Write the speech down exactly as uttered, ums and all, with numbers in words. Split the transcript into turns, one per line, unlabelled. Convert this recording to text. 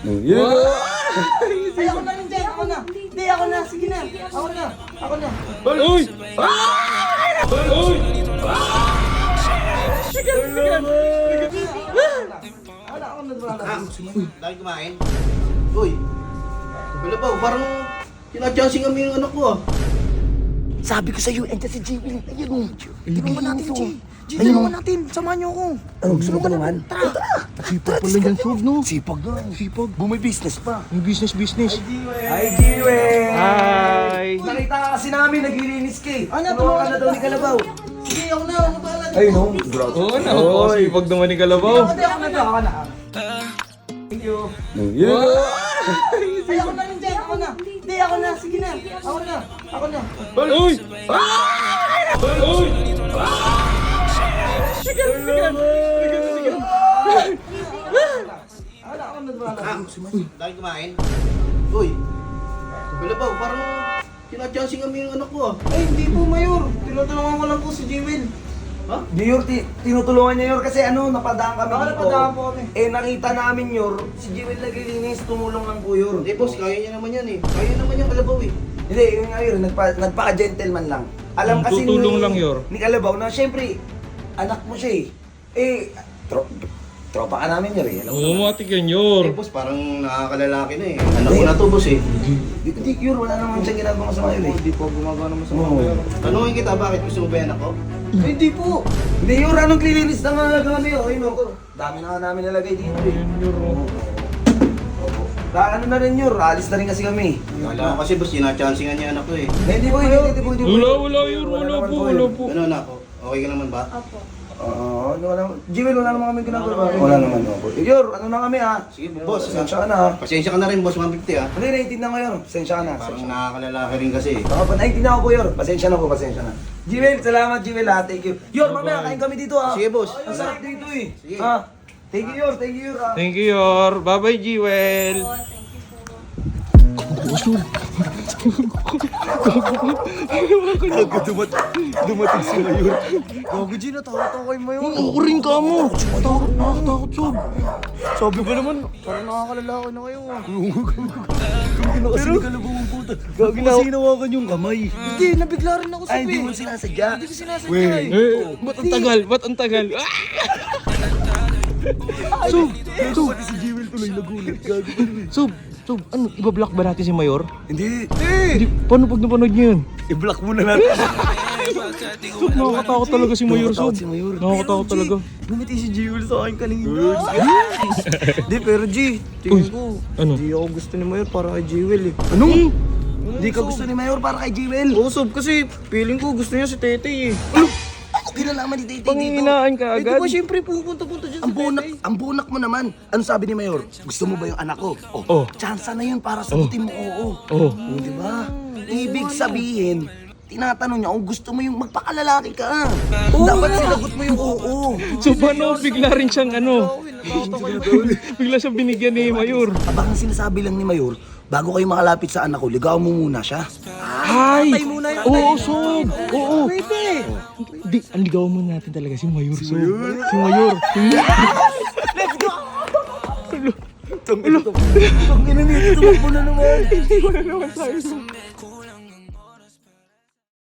Ay, ako na rin dyan, ako na. Hindi, ako na, sige na. Ako na, ako na.
Uy! Uy! Uy!
Sige, sige. Ako na, ako na.
Ah, lagi kumain. Uy, wala ba? Parang tinachancing kami yung anak ko ah.
Sabi ko sa'yo, ente si Jimmy. Ayun o. Tulungan natin, G. G, tulungan natin. Samahan niyo ako.
Ano, gusto mo tulungan?
Tara, tara.
Sipag pala yan, Sob, no?
Sipag na.
Sipag.
Bumay business pa.
Yung business, business.
Hi, Jiwe.
Hi!
Nakita ka kasi namin, naglilinis ka eh. Ano, tulungan ka na daw ni Kalabaw. Sige, ako na. Ako pala.
Ayun, no?
Oo, napakasipag naman ni Kalabaw.
Ako na, ako na. Ako na. Thank you. Ay, ako na rin dyan. Ako na. Hindi, ako na. Sige na. Ako na. Ako na.
Uy! Uy! Uy!
Sige, sige. Sige, sige. Ako na, ako na.
Ah, lagi kumain. Uy, wala ba? Parang tinachancing kami yung anak ko ah.
Ay, hindi po, Mayor. Tinutulungan ko lang po si Jewel.
Ha?
Yor, ti tinutulungan niya, Yor, kasi ano, napadaan kami
Baka
dito.
napadaan po kami.
Eh, nakita namin, Yor, si Jewel naglilinis, tumulong lang po, Yor.
Hindi boss, kaya niya naman yan eh. Kaya naman yung Kalabaw eh.
Hindi, yun nga, Yor, nagpa, nagpaka-gentleman lang. Alam
Hmm,
kasi
tutulong
ni,
lang, Yor.
ni Kalabaw na, syempre, anak mo siya eh. Eh, tro tropa ka namin, Yor, eh. Alam mo
Oo,
naman.
matik yan,
Eh
Yor.
boss, parang nakakalalaki na eh. Anak ko na to boss eh.
Di, di, Yor, wala naman siyang ginagawa masama, Yor, eh.
Hindi po gumagawa naman sa
Oo.
Tanungin kita, bakit gusto mo ba yan ako?
Ay, Hindi po. Hindi, Yor, anong klilinis na nga kami, Yor? Ayun, Yor. Dami na nga namin nalagay dito, eh.
Ayun, Yor. oh.
Da, ano na rin, Yor, alis na rin kasi kami.
Wala ko kasi boss, tinachancingan niya anak ko eh.
Hindi po, hindi, hindi po, hindi po.
Wala, wala, Yor. Wala
naman
po, wala
Yor.
po.
Ano anak ko? Okay ka naman ba?
Oo, ano wala. Jewel, wala naman kami ginagawa. Wala naman ako. Yor, ano na kami, ha?
Sige boss,
Pasensya ka na, ha?
pasensya ka na rin boss, one fifty ah.
Hindi, naiintindihan ko, Yor. Pasensya ka na.
Parang nakakalalaki rin kasi eh.
Baka pa, naiintindihan ko po, Yor. Pasensya na po, pasensya na. Jewel, salamat, Jewel, ha? Thank you. Yor, mamaya, kain kami dito, ha?
Sige boss.
Ang sarap dito, eh.
Sige.
Ha? Thank you, Yor. Thank you, Yor, ha?
Thank you, Yor. Bye-bye, Jewel.
Gago, dumat dumating si Mayor. Gago, G, natakot ako kay Mayor. Ako rin ka mo. Takot, nakakatakot, Sob. Sabi ko naman,
Parang nakakalalaki na kayo ah.
kung kinakasi ni Kalabaw ang puta. Gago, kasi hinawakan yung kamay.
Hindi, nabigla rin ako sa
Ay, hindi mo sinasadya.
Hindi ko sinasadya eh.
Eh, ba't ang tagal? Ba't ang tagal? Ah!
Sob, Sob. Pati si Jewel tuloy nagulat. Gago.
So, so, ano, ibablock ba natin si Mayor?
Hindi.
Hindi, paano pag napanood niya yun?
I-block muna natin.
Sob, nakakatakot talaga si Mayor, Sob.
Nakakatakot si Mayor.
Nakakatakot talaga.
Bumiti si Jewel sa akin kanina. Hindi, pero G, tingin ko.
Ano?
Hindi ako gusto ni Mayor para kay Jewel eh.
Ano? Hindi ka gusto ni Mayor para kay Jewel.
Oo, Sob, kasi feeling ko gusto niya si Tete eh.
Ano? Ano kinalaman ni Titi dito?
Panginginaan ka
Eh, di
agad.
ba siyempre pupunta-punta dyan
Ang
si
bunak,
Tete?
ang bunak mo naman. Ano sabi ni Mayor? Gusto mo ba yung anak ko? Oh,
Oh.
chance na yun para sagutin mo oo.
Oh.
Oh, di ba? Ibig sabihin, tinatanong niya kung gusto mo yung magpakalalaki ka. Dapat sinagot mo yung oo.
So, paano bigla rin siyang ano? Bigla siyang binigyan ni Mayor.
Abang sinasabi lang ni Mayor, bago kayo makalapit sa anak ko, ligaw mo muna siya.
Ay!
Patay muna yun.
Oo, Sob! Oo!
Pwede.
Di, ang ligawan mo natin talaga si Mayor, Sob. Si Mayor. Si Mayor.
Let's go!
Tangina nito, tumakbo na naman.
Hindi ko na naman tayo, Sob.